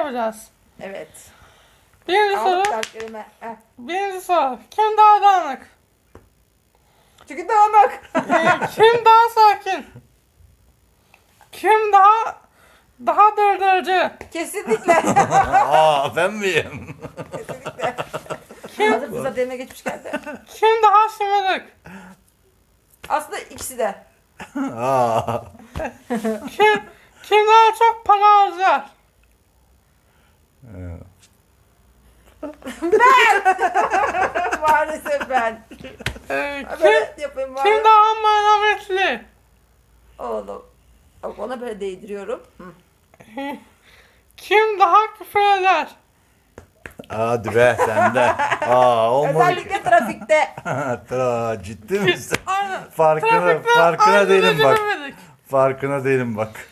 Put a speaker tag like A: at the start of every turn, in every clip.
A: yapacağız.
B: Evet.
A: Birinci
B: Al
A: soru.
B: kalplerime. Heh.
A: Birinci soru. Kim daha dağınık?
B: Çünkü dağınık.
A: Kim daha sakin? Kim daha dırdırcı?
B: Kesinlikle.
C: Aa ben miyim?
B: Kesinlikle.
A: Kim,
B: Hazır fırsat eline geçmişken de.
A: kim daha şımarık?
B: Aslında ikisi de.
C: Aa.
A: Kim daha çok para harcar?
B: Maalesef ben.
A: Kim,
B: Böyle yapayım bari.
A: kim daha merhametli?
B: Oğlum. Bak ona böyle değdiriyorum. Hı.
A: Kim daha küfür eder?
C: Hadi be sen de. Aa olmadı.
B: Özellikle trafikte.
C: Ciddi misin?
A: Aynen.
C: Farkına
A: Trafikte
C: değilim
A: aynı
C: bak.
A: demedik.
C: Farkına değilim bak.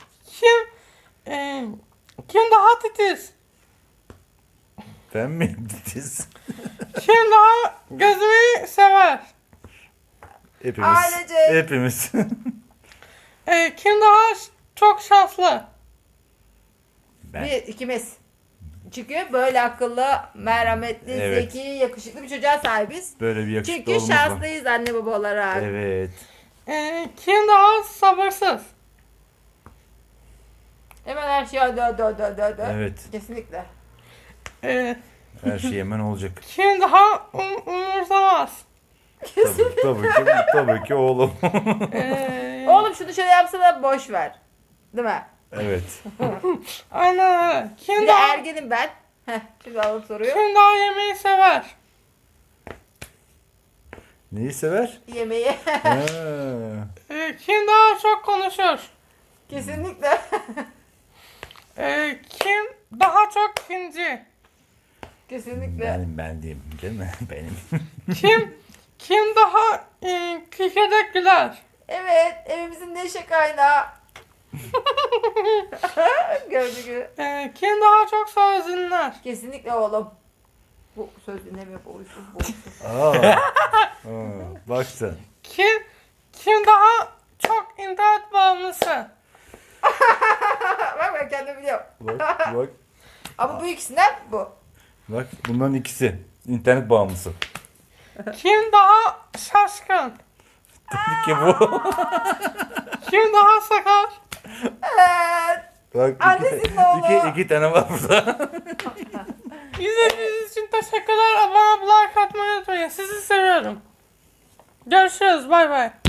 A: Kim daha titiz?
C: Ben miyim titiz?
A: Kim daha gözümü sever?
C: Hepimiz.
B: Ailecek.
C: Hepimiz.
A: Kim daha çok şanslı?
C: Ben.
B: Bir ikimiz. Çünkü böyle akıllı, merhametli,
C: Evet.
B: zeki, yakışıklı bir çocuğa sahibiz.
C: Böyle bir yakışıklı
B: Çünkü
C: olmamız var.
B: şanslıyız anne baba olarak.
C: Evet.
A: Kim daha sabırsız?
B: Hemen her şey dö.
C: Evet.
B: Kesinlikle.
A: Ee,
C: Her şey hemen olacak.
A: Kim daha umursamaz?
C: Tabii ki oğlum.
B: Oğlum şunu şöyle yapsana boş ver. Değil mi?
C: Evet.
A: Aynen öyle.
B: Bir
A: Kim
B: de
A: daha,
B: ergenim ben. Heh, şimdi alıp soruyor.
A: kim daha yemeği sever?
C: Neyi sever?
B: Yemeği.
C: Ha.
A: Kim daha çok konuşur?
B: Kesinlikle.
A: Kim daha çok kinci?
B: Kesinlikle.
C: Ben diyeyim değil mi? Benim.
A: Kim daha kikirdak güler?
B: Evet, evimizin neşe kaynağı. Gördüğü gibi.
A: Kim daha çok söz dinler?
B: Kesinlikle oğlum. Bu söz dinlemiyor, bu uysuz, bu uysuz.
C: Aa. Bak sen.
A: Kim daha çok internet bağımlısı?
B: Bak ben kendim biliyorum.
C: Bak.
B: Ama bu ikisinden bu.
C: Bak bunların ikisi. İnternet bağımlısı.
A: Kim daha şaşkın?
C: Tabii ki bu.
A: Kim daha sakar?
B: Evet.
C: Bak
B: Annesinin oğlu.
C: iki tane var burada.
A: İzlediğiniz için teşekkürler. Abone ol, like atmayı unutmayın. Sizi seviyorum. Görüşürüz. Bay bay.